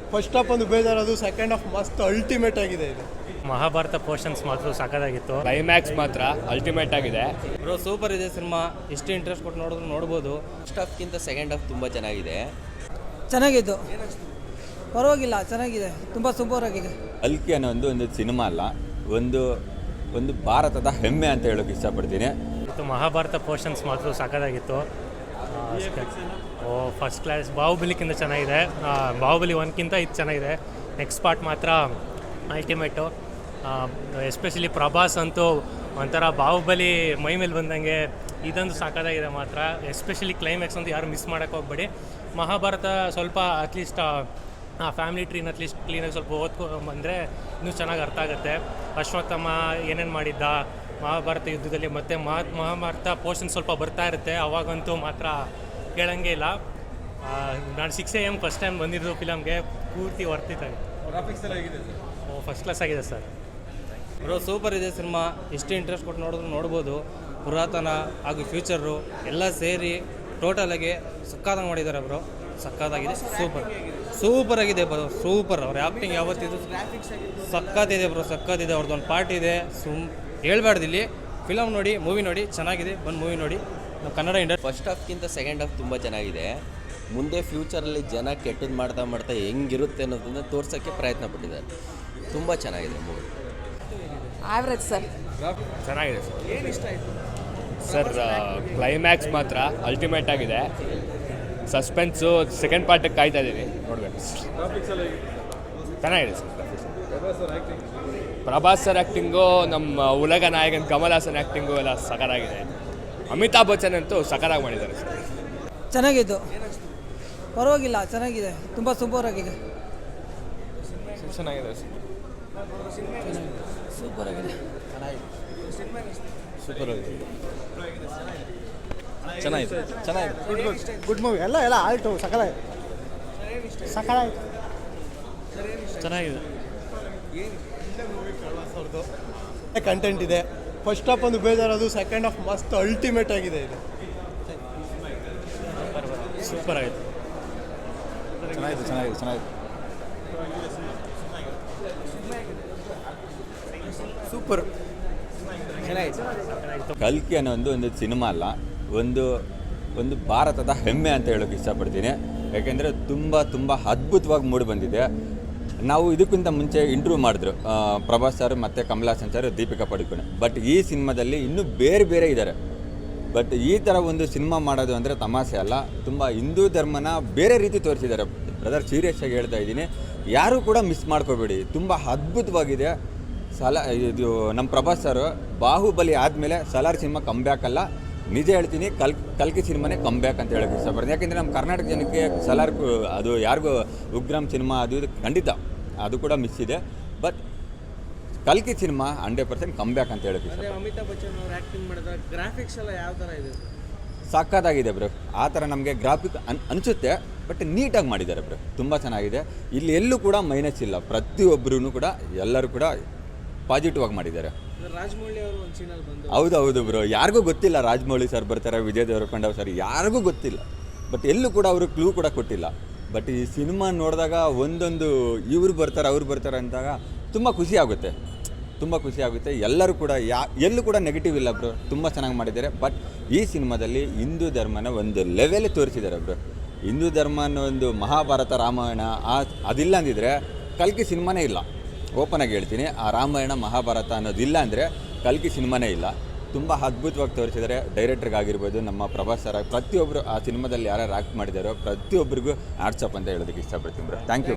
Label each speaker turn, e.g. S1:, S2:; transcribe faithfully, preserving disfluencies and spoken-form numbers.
S1: First half ಒಂದು ಬೇಜಾರದು, second half ಮಸ್ತ್ ಅಲ್ಟಿಮೇಟ್ ಆಗಿದೆ ಇದು.
S2: ಮಹಾಭಾರತ ಪೋರ್ಷನ್ಸ್ ಮಾತ್ರ ಸಾಕಾಗಿತ್ತು.
S3: ಕ್ಲೈಮ್ಯಾಕ್ಸ್ ಮಾತ್ರ ಅಲ್ಟಿಮೇಟ್ ಆಗಿದೆ
S4: ಬ್ರೋ. ಸೂಪರ್ ಇದೆ ಸಿನಿಮಾ. ಎಷ್ಟು ಇಂಟ್ರೆಸ್ಟ್ ಕೊಟ್ಟು ನೋಡಿದ್ರು ನೋಡ್ಬೋದು.
S5: ಫಸ್ಟ್ ಹಾಫ್ಗಿಂತ ಸೆಕೆಂಡ್ ಹಾಫ್ ತುಂಬ ಚೆನ್ನಾಗಿದೆ.
S6: ಚೆನ್ನಾಗಿತ್ತು, ಪರವಾಗಿಲ್ಲ, ಚೆನ್ನಾಗಿದೆ, ತುಂಬ ಸೂಪರ್ ಆಗಿದೆ.
S7: ಕಲ್ಕಿ ಅನ್ನೋ ಒಂದು ಒಂದು ಸಿನಿಮಾ ಅಲ್ಲ, ಒಂದು ಒಂದು ಭಾರತದ ಹೆಮ್ಮೆ ಅಂತ ಹೇಳೋಕೆ ಇಷ್ಟಪಡ್ತೀನಿ.
S2: ಮತ್ತು ಮಹಾಭಾರತ ಪೋರ್ಷನ್ಸ್ ಮಾತ್ರ ಸಾಕಾಗಿತ್ತು. ಓ ಫಸ್ಟ್ ಕ್ಲಾಸ್. ಬಾಹುಬಲಿಕ್ಕಿಂತ ಚೆನ್ನಾಗಿದೆ. ಬಾಹುಬಲಿ ಒನ್ಗಿಂತ ಇದು ಚೆನ್ನಾಗಿದೆ. ನೆಕ್ಸ್ಟ್ ಪಾರ್ಟ್ ಮಾತ್ರ ಅಲ್ಟಿಮೇಟು. ಎಸ್ಪೆಷಲಿ ಪ್ರಭಾಸ್ ಅಂತೂ ಒಂಥರ ಬಾಹುಬಲಿ ಮೈ ಮೇಲೆ ಬಂದಂಗೆ ಇದಂದು ಸಾಕಾಗಿದೆ ಮಾತ್ರ. ಎಸ್ಪೆಷಲಿ ಕ್ಲೈಮ್ಯಾಕ್ಸ್ ಅಂತ ಯಾರು ಮಿಸ್ ಮಾಡೋಕ್ಕೆ ಹೋಗ್ಬೇಡಿ. ಮಹಾಭಾರತ ಸ್ವಲ್ಪ ಅಟ್ಲೀಸ್ಟ್ ಆ ಫ್ಯಾಮಿಲಿ ಟ್ರೀನ ಅಟ್ಲೀಸ್ಟ್ ಕ್ಲೀನಾಗಿ ಸ್ವಲ್ಪ ಓದ್ಕೊ ಬಂದರೆ ಇನ್ನೂ ಚೆನ್ನಾಗಿ ಅರ್ಥ ಆಗುತ್ತೆ. ಅಶ್ವತ್ಥಾಮ ಏನೇನು ಮಾಡಿದ್ದ ಮಹಾಭಾರತ ಯುದ್ಧದಲ್ಲಿ, ಮತ್ತು ಮಹಾ ಮಹಾಭಾರತ ಪೋರ್ಷನ್ ಸ್ವಲ್ಪ ಬರ್ತಾ ಇರುತ್ತೆ, ಅವಾಗಂತೂ ಮಾತ್ರ ಕೇಳಂಗೆ ಇಲ್ಲ. ನಾನು six A M first time ಬಂದಿದ್ದು ಫಿಲಮ್ಗೆ, ಪೂರ್ತಿ ವರ್ತಿತ್ತಾಗಿತ್ತು. ಓ ಫಸ್ಟ್ ಕ್ಲಾಸ್ ಆಗಿದೆ ಸರ್.
S4: ಬ್ರೋ ಸೂಪರ್ ಇದೆ ಸಿನಿಮಾ. ಎಷ್ಟು ಇಂಟ್ರೆಸ್ಟ್ ಕೊಟ್ಟು ನೋಡಿದ್ರು ನೋಡ್ಬೋದು. ಪುರಾತನ ಹಾಗೂ ಫ್ಯೂಚರು ಎಲ್ಲ ಸೇರಿ ಟೋಟಲಾಗಿ ಸಕ್ಕತ್ತಾಗಿ ಮಾಡಿದ್ದಾರೆ ಬ್ರೋ. ಸಕ್ಕತ್ತಾಗಿದೆ. ಸೂಪರ್ ಸೂಪರ್ ಆಗಿದೆ ಬ್ರೋ. ಸೂಪರ್. ಅವ್ರ ಆ್ಯಕ್ಟಿಂಗ್ ಯಾವತ್ತಿದ್ದು ಸಕ್ಕತ್ತಿದೆ ಬ್ರೋ. ಸಕ್ಕತ್ತಿದೆ. ಅವ್ರದ್ದೊಂದು ಪಾರ್ಟ್ ಇದೆ. ಸುಮ್ ಹೇಳ್ಬಾರ್ದು ಇಲ್ಲಿ. ಫಿಲಮ್ ನೋಡಿ, ಮೂವಿ ನೋಡಿ, ಚೆನ್ನಾಗಿದೆ. ಬಂದು ಮೂವಿ ನೋಡಿ. ನಾವು ಕನ್ನಡ ಇಂಡಸ್ಟ್ರಿ.
S5: ಫಸ್ಟ್ ಹಾಫ್ಗಿಂತ ಸೆಕೆಂಡ್ ಹಾಫ್ ತುಂಬ ಚೆನ್ನಾಗಿದೆ. ಮುಂದೆ ಫ್ಯೂಚರಲ್ಲಿ ಜನ ಕೆಟ್ಟದ್ದು ಮಾಡ್ತಾ ಮಾಡ್ತಾ ಹೆಂಗಿರುತ್ತೆ ಅನ್ನೋದನ್ನು ತೋರ್ಸೋಕ್ಕೆ ಪ್ರಯತ್ನ ಪಟ್ಟಿದ್ದಾರೆ. ತುಂಬ ಚೆನ್ನಾಗಿದೆ ಮೂವಿ.
S6: Average sir.
S3: ಚೆನ್ನಾಗಿದೆ ಸರ್. ಏನು ಇಷ್ಟ ಆಯಿತು ಸರ್? ಕ್ಲೈಮ್ಯಾಕ್ಸ್ ಮಾತ್ರ ಅಲ್ಟಿಮೇಟ್ ಆಗಿದೆ. ಸಸ್ಪೆನ್ಸು ಸೆಕೆಂಡ್ ಪಾರ್ಟಿಗೆ ಕಾಯ್ತಾ ಇದ್ದೀನಿ, ನೋಡಬೇಕು. ಚೆನ್ನಾಗಿದೆ ಸರ್. ಪ್ರಭಾಸ್ ಸರ್ ಆ್ಯಕ್ಟಿಂಗು, ನಮ್ಮ ಉಲಗ ನಾಯಕನ ಕಮಲ್ ಹಾಸನ್ ಆ್ಯಕ್ಟಿಂಗು ಎಲ್ಲ ಸಕರಾಗಿದೆ. ಅಮಿತಾಬ್ ಬಚ್ಚನ್ ಅಂತೂ ಸಕರಾಗಿ ಮಾಡಿದ್ದಾರೆ ಸರ್.
S6: ಚೆನ್ನಾಗಿತ್ತು, ಪರವಾಗಿಲ್ಲ, ಚೆನ್ನಾಗಿದೆ, ತುಂಬ ಸೂಪರ್ ಆಗಿದೆ.
S3: ಚೆನ್ನಾಗಿದೆ ಸರ್.
S6: ಸೂಪರ್ ಆಗಿದೆ.
S3: ಸೂಪರ್ ಆಗಿದೆ. ಚೆನ್ನಾಗಿದೆ. ಚೆನ್ನಾಗಿದೆ.
S1: Good good good movie. ಎಲ್ಲ ಎಲ್ಲ ಆಲ್ಟು ಸಕಲಾಯ್ತು, ಸಕಲಾಯ್ತು.
S2: ಚೆನ್ನಾಗಿದೆ.
S1: ಕಂಟೆಂಟ್ ಇದೆ. ಫಸ್ಟ್ ಹಾಫ್ ಒಂದು ಬೇಜಾರದು, ಸೆಕೆಂಡ್ ಹಾಫ್ ಮಸ್ತ್ ಅಲ್ಟಿಮೇಟ್ ಆಗಿದೆ ಇದು.
S2: ಸೂಪರ್ ಆಗಿದೆ.
S7: ಚೆನ್ನಾಗಿದೆ ಚೆನ್ನಾಗಿದೆ ಚೆನ್ನಾಗಿದೆ
S1: ಸೂಪರ್ ಚೆನ್ನಾಗಿದೆ.
S7: ಕಲ್ಕಿ ಅನ್ನೋ ಒಂದು ಒಂದು ಸಿನಿಮಾ ಅಲ್ಲ, ಒಂದು ಒಂದು ಭಾರತದ ಹೆಮ್ಮೆ ಅಂತ ಹೇಳೋಕೆ ಇಷ್ಟಪಡ್ತೀನಿ. ಯಾಕೆಂದರೆ ತುಂಬ ತುಂಬ ಅದ್ಭುತವಾಗಿ ಮೂಡಿ ಬಂದಿದೆ. ನಾವು ಇದಕ್ಕಿಂತ ಮುಂಚೆ ಇಂಟರ್ವ್ಯೂ ಮಾಡಿದ್ರು ಪ್ರಭಾಸ್ ಸರ್ ಮತ್ತು ಕಮಲ್ ಹಾಸನ್ ಸರ್, ದೀಪಿಕಾ ಪಡುಕೋಣೆ. ಬಟ್ ಈ ಸಿನಿಮಾದಲ್ಲಿ ಇನ್ನೂ ಬೇರೆ ಬೇರೆ ಇದ್ದಾರೆ. ಬಟ್ ಈ ಥರ ಒಂದು ಸಿನಿಮಾ ಮಾಡೋದು ಅಂದರೆ ತಮಾಷೆ ಅಲ್ಲ. ತುಂಬ ಹಿಂದೂ ಧರ್ಮನ ಬೇರೆ ರೀತಿ ತೋರಿಸಿದ್ದಾರೆ ಬ್ರದರ್. ಸೀರಿಯಸ್ ಆಗಿ ಹೇಳ್ತಾ ಇದ್ದೀನಿ, ಯಾರೂ ಕೂಡ ಮಿಸ್ ಮಾಡ್ಕೋಬೇಡಿ. ತುಂಬ ಅದ್ಭುತವಾಗಿದೆ. ಸಲ ಇದು ನಮ್ಮ ಪ್ರಭಾಸ್ ಸರ್ ಬಾಹುಬಲಿ ಆದಮೇಲೆ ಸಲಾರ್ ಸಿನಿಮಾ ಕಮ್ ಬ್ಯಾಕ್ ಅಲ್ಲ, ನಿಜ ಹೇಳ್ತೀನಿ, ಕಲ್ ಕಲ್ಕಿ ಸಿನಿಮಾನೇ ಕಮ್ ಬ್ಯಾಕ್ ಅಂತ ಹೇಳೋಕ್ಕೆ ಇಷ್ಟಪಡ್ತೀನಿ. ಯಾಕೆಂದರೆ ನಮ್ಮ ಕರ್ನಾಟಕ ಜನಕ್ಕೆ ಸಲಾರ್ ಅದು ಯಾರಿಗೂ ಉಗ್ರಂ ಸಿನಿಮಾ ಅದು ಇದು ಖಂಡಿತ ಅದು ಕೂಡ ಮಿಸ್ ಇದೆ. ಬಟ್ ಕಲ್ಕಿ cinema hundred percent come back ಅಂತ ಹೇಳೋಕ್ಕೆ ಇಷ್ಟ.
S4: ಅಮಿತಾಬ್ ಬಚ್ಚನ್ ಅವರು ಆ್ಯಕ್ಟಿಂಗ್ ಮಾಡಿದ ಗ್ರಾಫಿಕ್ಸ್ ಎಲ್ಲ ಯಾವ ಥರ ಇದೆ?
S7: ಸಕ್ಕತ್ತಾಗಿದೆ ಬ್ರೋ. ಆ ಥರ ನಮಗೆ ಗ್ರಾಫಿಕ್ ಅನ್ ಅನಿಸುತ್ತೆ, ಬಟ್ ನೀಟಾಗಿ ಮಾಡಿದ್ದಾರೆ ಬ್ರೋ. ತುಂಬ ಚೆನ್ನಾಗಿದೆ. ಇಲ್ಲಿ ಎಲ್ಲೂ ಕೂಡ ಮೈನಸ್ ಇಲ್ಲ. ಪ್ರತಿಯೊಬ್ಬರೂ ಕೂಡ ಎಲ್ಲರೂ ಕೂಡ ಪಾಸಿಟಿವ್ ಆಗಿ ಮಾಡಿದ್ದಾರೆ.
S4: ರಾಜಮೌಳಿ ಅವರು ಒಂದು ಸೀನಲ್ಲಿ ಬಂದು
S7: ಹೌದು ಹೌದು ಬ್ರೋ. ಯಾರಿಗೂ ಗೊತ್ತಿಲ್ಲ ರಾಜಮೌಳಿ ಸರ್ ಬರ್ತಾರೆ, ವಿಜಯ್ ದೇವರಕೊಂಡ ಸರ್ ಯಾರಿಗೂ ಗೊತ್ತಿಲ್ಲ. ಬಟ್ ಎಲ್ಲೂ ಕೂಡ ಅವರು ಕ್ಲೂ ಕೂಡ ಕೊಟ್ಟಿಲ್ಲ. ಬಟ್ ಈ ಸಿನಿಮಾ ನೋಡಿದಾಗ ಒಂದೊಂದು ಇವ್ರು ಬರ್ತಾರೆ ಅವ್ರು ಬರ್ತಾರೆ ಅಂದಾಗ ತುಂಬ ಖುಷಿ ಆಗುತ್ತೆ, ತುಂಬ ಖುಷಿ ಆಗುತ್ತೆ. ಎಲ್ಲರೂ ಕೂಡ ಯಾ ಎಲ್ಲೂ ಕೂಡ ನೆಗೆಟಿವ್ ಇಲ್ಲ ಬ್ರೋ. ತುಂಬ ಚೆನ್ನಾಗಿ ಮಾಡಿದ್ದಾರೆ. ಬಟ್ ಈ ಸಿನಿಮಾದಲ್ಲಿ ಹಿಂದೂ ಧರ್ಮನ ಒಂದು ಲೆವೆಲ್ ತೋರಿಸಿದ್ದಾರೆ ಬ್ರೋ. ಹಿಂದೂ ಧರ್ಮ ಅನ್ನೋ ಒಂದು ಮಹಾಭಾರತ ರಾಮಾಯಣ ಆ ಅದಿಲ್ಲ ಅಂದಿದ್ರೆ ಕಲ್ಕಿ ಸಿನಿಮಾನೇ ಇಲ್ಲ. ಓಪನ್ ಆಗಿ ಹೇಳ್ತೀನಿ, ಆ ರಾಮಾಯಣ ಮಹಾಭಾರತ ಅನ್ನೋದಿಲ್ಲ ಅಂದರೆ ಕಲ್ಕಿ ಸಿನಿಮಾನೇ ಇಲ್ಲ. ತುಂಬ ಅದ್ಭುತವಾಗಿ ತೋರಿಸಿದ್ದಾರೆ. ಡೈರೆಕ್ಟ್ರಿಗಾಗಿರ್ಬೋದು, ನಮ್ಮ ಪ್ರಭಾಸ್ ಸರ್, ಪ್ರತಿಯೊಬ್ಬರು ಆ ಸಿನಿಮಾದಲ್ಲಿ ಯಾರ್ಯಾರು ಆ್ಯಕ್ಟ್ ಮಾಡಿದಾರೋ ಪ್ರತಿಯೊಬ್ಬರಿಗೂ ಆ್ಯಡ್ಸಪ್ ಅಂತ ಹೇಳೋದಕ್ಕೆ ಇಷ್ಟಪಡ್ತೀನಿ ಬ್ರೋ. Thank you.